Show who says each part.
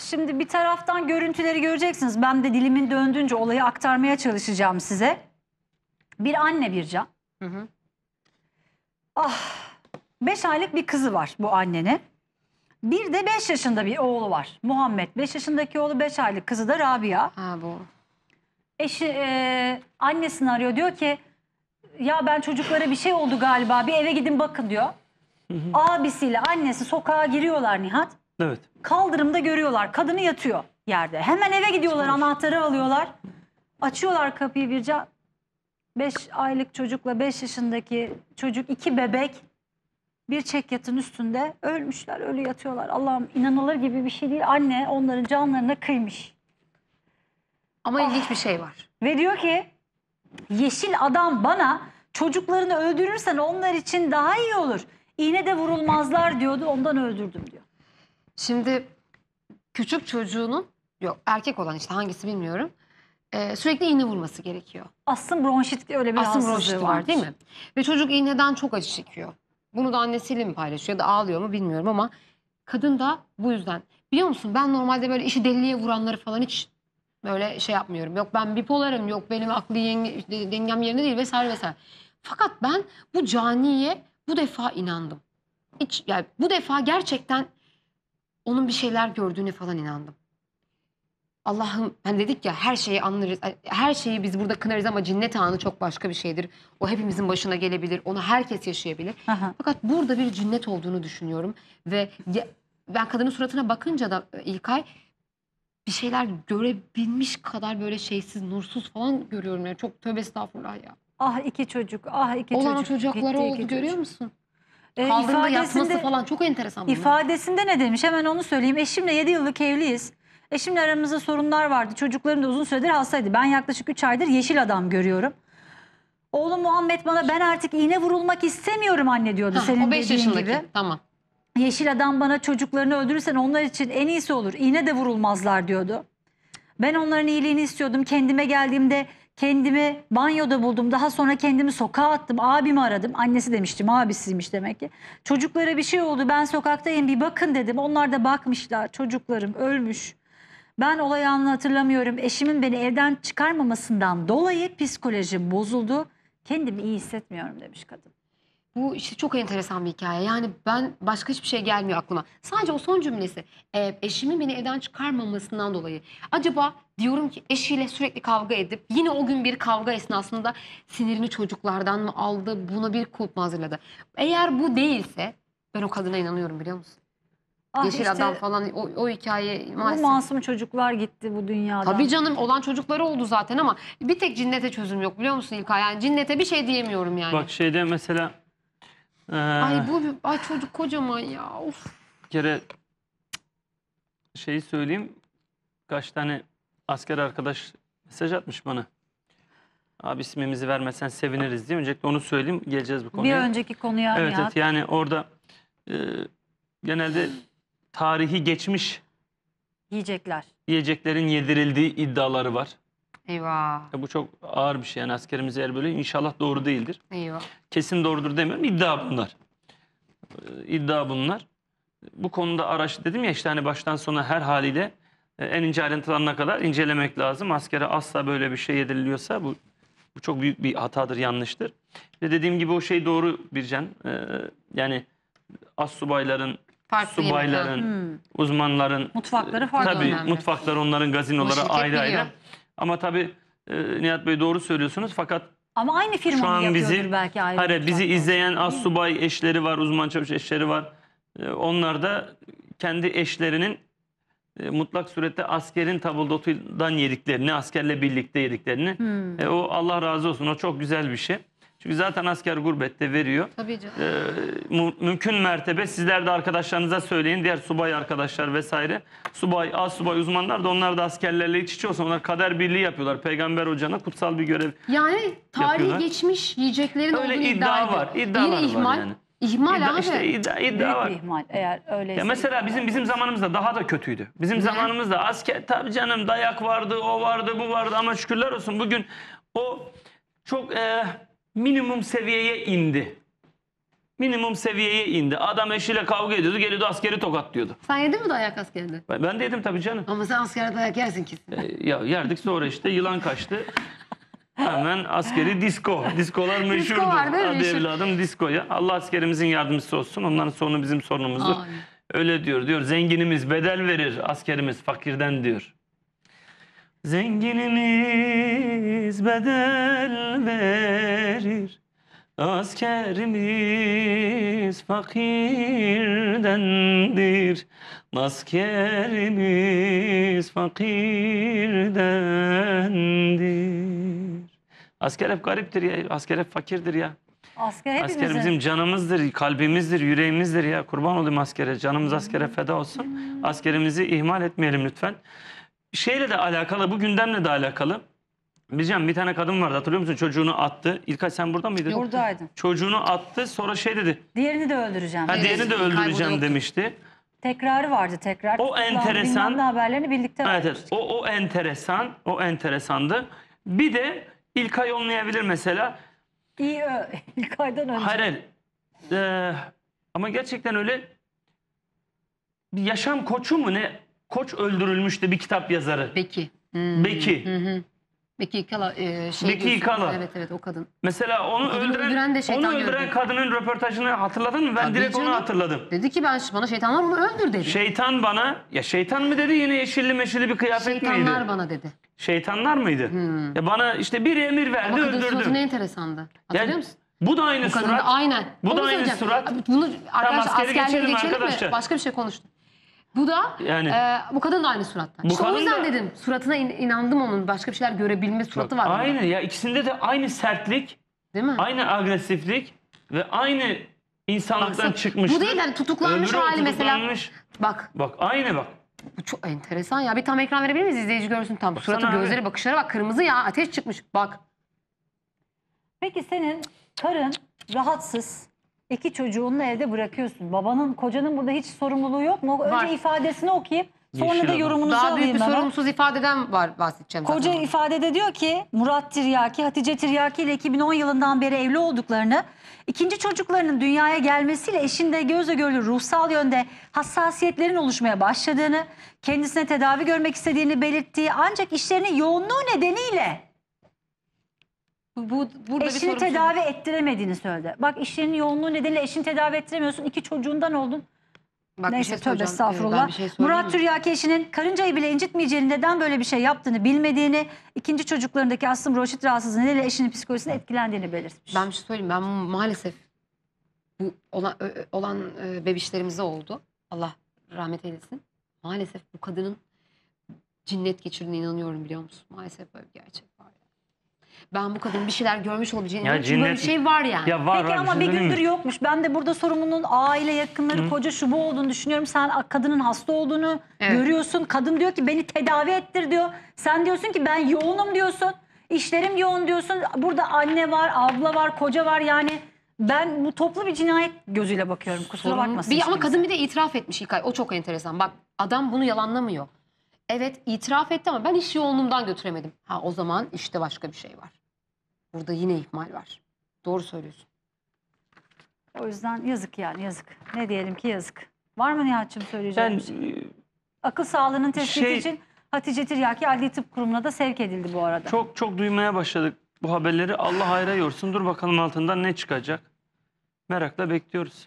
Speaker 1: şimdi bir taraftan görüntüleri göreceksiniz. Ben de dilimin döndüğünce olayı aktarmaya çalışacağım size. Bir anne Bircan.
Speaker 2: Hı hı.
Speaker 1: 5 aylık bir kızı var bu annenin. Bir de 5 yaşında bir oğlu var. Muhammed. 5 yaşındaki oğlu, 5 aylık kızı da Rabia.
Speaker 2: Ha bu.
Speaker 1: Eşi annesini arıyor, diyor ki ya ben çocuklara bir şey oldu galiba, bir eve gidin bakın diyor. Abisiyle annesi sokağa giriyorlar Nihat.
Speaker 3: Evet.
Speaker 1: Kaldırımda görüyorlar kadını yatıyor yerde. Hemen eve gidiyorlar, anahtarı alıyorlar. Açıyorlar kapıyı Bircan. 5 aylık çocukla 5 yaşındaki çocuk, 2 bebek bir çekyatın üstünde ölmüşler, ölü yatıyorlar. Allah'ım, inanılır gibi bir şey değil. Anne onların canlarına kıymış.
Speaker 2: Ama ilginç bir şey var.
Speaker 1: Ve diyor ki yeşil adam bana çocuklarını öldürürsen onlar için daha iyi olur. İğne de vurulmazlar diyordu, ondan öldürdüm diyor.
Speaker 2: Şimdi küçük çocuğunun, yok erkek olan işte hangisi bilmiyorum, sürekli iğne vurması gerekiyor.
Speaker 1: Astım bronşit, öyle bir
Speaker 2: Astım
Speaker 1: rahatsızlığı
Speaker 2: bronşiti
Speaker 1: var
Speaker 2: var değil mi? Ve çocuk iğneden çok acı çekiyor. Bunu da annesiyle mi paylaşıyor ya da ağlıyor mu bilmiyorum ama kadın da bu yüzden. Biliyor musun, ben normalde böyle işi deliliğe vuranları falan hiç böyle şey yapmıyorum. Yok ben bipolarım, yok benim aklı dengem yerinde değil vesaire vesaire. Fakat ben bu caniye bu defa inandım. Hiç, yani bu defa gerçekten onun bir şeyler gördüğüne falan inandım. Allah'ım, hani dedik ya her şeyi anlarız, her şeyi biz burada kınarız ama cinnet anı çok başka bir şeydir. O hepimizin başına gelebilir, onu herkes yaşayabilir.
Speaker 1: Aha.
Speaker 2: Fakat burada bir cinnet olduğunu düşünüyorum ve ben kadının suratına bakınca da İlkay bir şeyler görebilmiş kadar böyle şeysiz, nursuz falan görüyorum. Yani çok tövbe estağfurullah ya.
Speaker 1: Ah iki çocuk, ah iki
Speaker 2: Olan
Speaker 1: çocuk.
Speaker 2: çocukları
Speaker 1: Gitti
Speaker 2: oldu,
Speaker 1: iki
Speaker 2: görüyor
Speaker 1: çocuk.
Speaker 2: musun? Kaldırımda yatması falan çok enteresan. bunlar.
Speaker 1: İfadesinde ne demiş? Hemen onu söyleyeyim. Eşimle 7 yıllık evliyiz. Eşimle aramızda sorunlar vardı. Çocuklarım da uzun süredir hastaydı. Ben yaklaşık 3 aydır yeşil adam görüyorum. Oğlum Muhammed bana ben artık iğne vurulmak istemiyorum anne diyordu.
Speaker 2: Ha,
Speaker 1: Senin
Speaker 2: o 5
Speaker 1: dediğin
Speaker 2: yaşındaki.
Speaker 1: gibi.
Speaker 2: Tamam.
Speaker 1: Yeşil adam bana çocuklarını öldürürsen onlar için en iyisi olur. İğne de vurulmazlar diyordu. Ben onların iyiliğini istiyordum. Kendime geldiğimde kendimi banyoda buldum. Daha sonra kendimi sokağa attım. Abimi aradım. Annesi demiştim, abisiymiş demek ki. Çocuklara bir şey oldu. Ben sokaktayım, bir bakın dedim. Onlar da bakmışlar. Çocuklarım ölmüş. Ben olay anını hatırlamıyorum. Eşimin beni evden çıkarmamasından dolayı psikolojim bozuldu. Kendimi iyi hissetmiyorum demiş kadın.
Speaker 2: Bu işte çok enteresan bir hikaye. Yani ben başka hiçbir şey gelmiyor aklıma. Sadece o son cümlesi. Eşimin beni evden çıkarmamasından dolayı. Acaba diyorum ki eşiyle sürekli kavga edip yine o gün bir kavga esnasında sinirini çocuklardan mı aldı? Buna bir kulp mu hazırladı? Eğer bu değilse ben o kadına inanıyorum, biliyor musun?
Speaker 1: Ah
Speaker 2: Yeşil
Speaker 1: işte
Speaker 2: adam falan o hikaye
Speaker 1: bu
Speaker 2: maalesef.
Speaker 1: masum çocuklar gitti bu dünyadan.
Speaker 2: Tabii canım, olan çocukları oldu zaten ama bir tek cinnete çözüm yok, biliyor musun İlkay? Yani cinnete bir şey diyemiyorum yani.
Speaker 3: Bak şeyde mesela
Speaker 2: Ay çocuk kocaman ya. Of.
Speaker 3: bir kere şeyi söyleyeyim. Kaç tane asker arkadaş mesaj atmış bana. Abi ismimizi vermesen seviniriz diye. Öncelikle onu söyleyeyim. Geleceğiz bu
Speaker 1: Bir
Speaker 3: konuya.
Speaker 1: önceki konuya
Speaker 3: Evet,
Speaker 1: Nihat.
Speaker 3: evet, yani orada genelde tarihi geçmiş
Speaker 1: Yiyecekler.
Speaker 3: yiyeceklerin yedirildiği iddiaları var.
Speaker 2: Eyvah.
Speaker 3: Bu çok ağır bir şey. Yani askerimiz eğer böyle, inşallah doğru değildir.
Speaker 2: Eyvah.
Speaker 3: Kesin doğrudur demiyorum. İddia bunlar. İddia bunlar. Bu konuda dedim ya işte, hani baştan sona her haliyle en ince ayrıntılarına kadar incelemek lazım. Askere asla böyle bir şey yediriliyorsa bu çok büyük bir hatadır, yanlıştır. Ve dediğim gibi o şey doğru Bircan. Yani astsubayların,
Speaker 2: Farklı
Speaker 3: subayların, uzmanların
Speaker 1: Mutfakları farklı.
Speaker 3: tabii
Speaker 2: önemli.
Speaker 3: mutfakları, onların gazinoları
Speaker 2: şirket
Speaker 3: ayrı ayrı.
Speaker 2: biliyor.
Speaker 3: Ama tabii Nihat Bey doğru söylüyorsunuz, fakat
Speaker 1: Ama aynı
Speaker 3: şu
Speaker 1: firmanın
Speaker 3: an
Speaker 1: yapıyordur belki ayrı.
Speaker 3: hayır, bizi
Speaker 1: mutfaklar.
Speaker 3: izleyen astsubay eşleri var, uzman çavuş eşleri var. Onlar da kendi eşlerinin mutlak surette askerin tabuldotundan yediklerini, askerle birlikte yediklerini, o Allah razı olsun, o çok güzel bir şey. Çünkü zaten asker gurbette veriyor.
Speaker 2: Tabii canım.
Speaker 3: Mümkün mertebe sizler de arkadaşlarınıza söyleyin. Diğer subay arkadaşlar vesaire. Subay, astsubay uzmanlar da, onlar da askerlerle iç içe olsun. Onlar kader birliği yapıyorlar. Peygamber hocana kutsal bir görev.
Speaker 2: Yani tarihi
Speaker 3: yapıyorlar.
Speaker 2: geçmiş yiyeceklerin
Speaker 3: Öyle
Speaker 2: olduğunu
Speaker 3: iddia var. İddialar
Speaker 2: Yine ihmal.
Speaker 3: var yani.
Speaker 2: İhmal abi.
Speaker 3: İşte iddia
Speaker 1: Büyük
Speaker 3: var.
Speaker 1: bir ihmal eğer öyleyse.
Speaker 3: Ya mesela bizim zamanımızda daha da kötüydü. Bizim zamanımızda asker, tabii canım, dayak vardı, o vardı, bu vardı, ama şükürler olsun bugün o çok minimum seviyeye indi. minimum seviyeye indi. Adam eşiyle kavga ediyordu, geliyordu askeri tokatlıyordu.
Speaker 2: Sen yedin mi dayak askerde?
Speaker 3: Ben de yedim tabii canım.
Speaker 2: Ama sen askerde dayak yersin kesin.
Speaker 3: Ya yerdik, sonra işte yılan kaçtı. Hemen askeri disko. Diskolar meşhurdur.
Speaker 2: var değil mi?
Speaker 3: Hadi
Speaker 2: Meşhur.
Speaker 3: evladım diskoya. Allah askerimizin yardımcısı olsun. Onların sorunu bizim sorunumuzdur.
Speaker 2: Amin.
Speaker 3: Öyle diyor. Zenginimiz bedel verir, askerimiz fakirden diyor. Zenginimiz bedel verir, askerimiz fakirdendir. Askerimiz fakirdendir. Asker hep gariptir ya. Asker hep fakirdir ya.
Speaker 1: Asker
Speaker 3: Asker
Speaker 1: hepimizin.
Speaker 3: bizim canımızdır, kalbimizdir, yüreğimizdir ya. Kurban olayım askere. Canımız askere feda olsun. Askerimizi ihmal etmeyelim lütfen. Şeyle de alakalı, bu gündemle de alakalı. Bizcan, bir tane kadın vardı, hatırlıyor musun? Çocuğunu attı. İlkay sen burada mıydın?
Speaker 1: Buradaydım.
Speaker 3: Çocuğunu attı, sonra şey dedi.
Speaker 1: Diğerini de öldüreceğim.
Speaker 3: Ha, diğerini de
Speaker 2: İlkay burada
Speaker 3: öldüreceğim
Speaker 2: yoktu.
Speaker 3: demişti.
Speaker 1: Tekrarı vardı tekrar.
Speaker 3: O enteresan.
Speaker 1: Bilmem ne haberlerini birlikte
Speaker 3: Evet,
Speaker 1: verdik.
Speaker 3: evet. O enteresan. O enteresandı. Bir de İlkay olmayabilir mesela.
Speaker 1: İyi ilk aydan önce.
Speaker 3: Hayır, hayır. Ama gerçekten öyle bir yaşam koçu mu ne? Koç öldürülmüştü, bir kitap yazarı.
Speaker 2: Beki.
Speaker 3: Beki.
Speaker 2: Beki İkala.
Speaker 3: Beki İkala.
Speaker 2: Evet evet, o kadın.
Speaker 3: Mesela onu
Speaker 2: Kadını
Speaker 3: öldüren,
Speaker 2: öldüren de şeytan
Speaker 3: onu öldüren
Speaker 2: gördü.
Speaker 3: kadının röportajını hatırladın mı? Ben
Speaker 2: Tabii
Speaker 3: direkt onu
Speaker 2: canım.
Speaker 3: hatırladım.
Speaker 2: Dedi ki bana şeytanlar onu öldür dedi.
Speaker 3: Şeytan bana, ya şeytan mı dedi, yine yeşilli meşilli bir kıyafet
Speaker 2: Şeytanlar
Speaker 3: miydi?
Speaker 2: bana dedi.
Speaker 3: Şeytanlar mıydı? Ya bana işte bir emir verdi,
Speaker 2: Ama kadın suratı ne
Speaker 3: öldürdüm.
Speaker 2: enteresandı. Hatırlıyor
Speaker 3: Yani
Speaker 2: musun?
Speaker 3: bu da aynı
Speaker 2: Bu kadın
Speaker 3: surat.
Speaker 2: da aynen.
Speaker 3: Bu
Speaker 2: Onu
Speaker 3: da aynı
Speaker 2: söyleyeceğim.
Speaker 3: surat.
Speaker 2: Abi bunu arkadaşlar
Speaker 3: askeri
Speaker 2: askerleri
Speaker 3: geçelim
Speaker 2: geçelim
Speaker 3: arkadaşlar.
Speaker 2: mi? Başka bir şey konuştuk. Bu da
Speaker 3: Yani.
Speaker 2: bu kadın da aynı surattan.
Speaker 3: Bu
Speaker 2: İşte o
Speaker 3: kadın
Speaker 2: yüzden
Speaker 3: da-
Speaker 2: dedim suratına inandım onun. Başka bir şeyler görebilme suratı var. bunda.
Speaker 3: Aynı ya, ikisinde de aynı sertlik,
Speaker 2: Değil mi?
Speaker 3: aynı agresiflik ve aynı insanlıktan
Speaker 2: Baksana,
Speaker 3: çıkmış.
Speaker 2: bu değil yani tutuklanmış
Speaker 3: Öbürü o
Speaker 2: hali mesela.
Speaker 3: tutuklanmış.
Speaker 2: Bak
Speaker 3: Bak aynı bak.
Speaker 2: bu çok enteresan ya. Bir tam ekran verebilir miyiz? İzleyici görsün tam.
Speaker 3: Baksana
Speaker 2: Suratı,
Speaker 3: abi.
Speaker 2: gözleri, bakışlara bak. Kırmızı ya. Ateş çıkmış. Bak.
Speaker 1: Peki senin karın rahatsız. 2 çocuğunu evde bırakıyorsun. Kocanın burada hiç sorumluluğu yok mu? Önce
Speaker 2: Var.
Speaker 1: ifadesini okuyayım. Sonra
Speaker 3: Yeşil
Speaker 1: da
Speaker 3: adam.
Speaker 1: yorumunuzu
Speaker 2: Daha büyük
Speaker 1: alayım
Speaker 2: bir
Speaker 1: hemen.
Speaker 2: sorumsuz ifadeden bahsedeceğim
Speaker 1: Koca
Speaker 2: zaten.
Speaker 1: ifadede diyor ki Murat Tiryaki, Hatice Tiryaki ile 2010 yılından beri evli olduklarını, ikinci çocuklarının dünyaya gelmesiyle eşinde gözle görülür ruhsal yönde hassasiyetlerin oluşmaya başladığını, kendisine tedavi görmek istediğini belirttiği, ancak işlerinin yoğunluğu nedeniyle
Speaker 2: Burada bir
Speaker 1: eşini
Speaker 2: sorumsuzluk.
Speaker 1: tedavi ettiremediğini söyledi. Bak, işlerinin yoğunluğu nedeniyle eşini tedavi ettiremiyorsun. 2 çocuğundan oldun.
Speaker 2: Bak, bir
Speaker 1: Neyse,
Speaker 2: şey
Speaker 1: tövbe
Speaker 2: söyleyeceğim.
Speaker 1: estağfurullah.
Speaker 2: Ben bir şey söyleyeyim
Speaker 1: Murat
Speaker 2: mi?
Speaker 1: Tiryaki eşinin karıncayı bile incitmeyeceğini, neden böyle bir şey yaptığını bilmediğini, ikinci çocuklarındaki astım bronşit rahatsızlığı nedeniyle eşinin psikolojisine etkilendiğini belirtmiş.
Speaker 2: Ben bir şey söyleyeyim. Ben maalesef bu olan bebişlerimize oldu. Allah rahmet eylesin. Maalesef bu kadının cinnet geçirdiğine inanıyorum, biliyor musun? Maalesef böyle bir gerçek var. Ben bu kadının bir şeyler görmüş olabileceğine
Speaker 3: Ya
Speaker 2: inanıyorum. Çünkü böyle bir
Speaker 3: cinnet-
Speaker 2: şey var yani.
Speaker 3: Ya var
Speaker 1: Peki
Speaker 3: var,
Speaker 1: ama
Speaker 3: şey
Speaker 1: bir
Speaker 3: söyleyeyim mi?
Speaker 1: gündür yokmuş. Ben de burada sorumlunun aile yakınları, koca şu bu olduğunu düşünüyorum. Sen kadının hasta olduğunu
Speaker 2: Evet.
Speaker 1: görüyorsun. Kadın diyor ki beni tedavi ettir diyor. Sen diyorsun ki ben yoğunum diyorsun. İşlerim yoğun diyorsun. Burada anne var, abla var, koca var. Yani ben bu toplu bir cinayet gözüyle bakıyorum. Kusura
Speaker 2: Sorun-
Speaker 1: bakmasın.
Speaker 2: Ama
Speaker 1: hiç kimse.
Speaker 2: kadın bir de itiraf etmiş İlkay. O çok enteresan. Bak, adam bunu yalanlamıyor. Evet, itiraf etti ama ben iş yoğunluğumdan götüremedim. Ha, o zaman işte başka bir şey var. Burada yine ihmal var. Doğru söylüyorsun.
Speaker 1: O yüzden yazık, yani yazık. Ne diyelim ki yazık. Var mı Nihat'cığım söyleyeceğim
Speaker 3: Ben
Speaker 1: bir şey? Akıl sağlığının tespiti
Speaker 3: Şey-
Speaker 1: için Hatice Tiryaki Adli Tıp Kurumu'na da sevk edildi bu arada.
Speaker 3: çok çok duymaya başladık bu haberleri. Allah hayra yorsun. Dur bakalım altından ne çıkacak. Merakla bekliyoruz.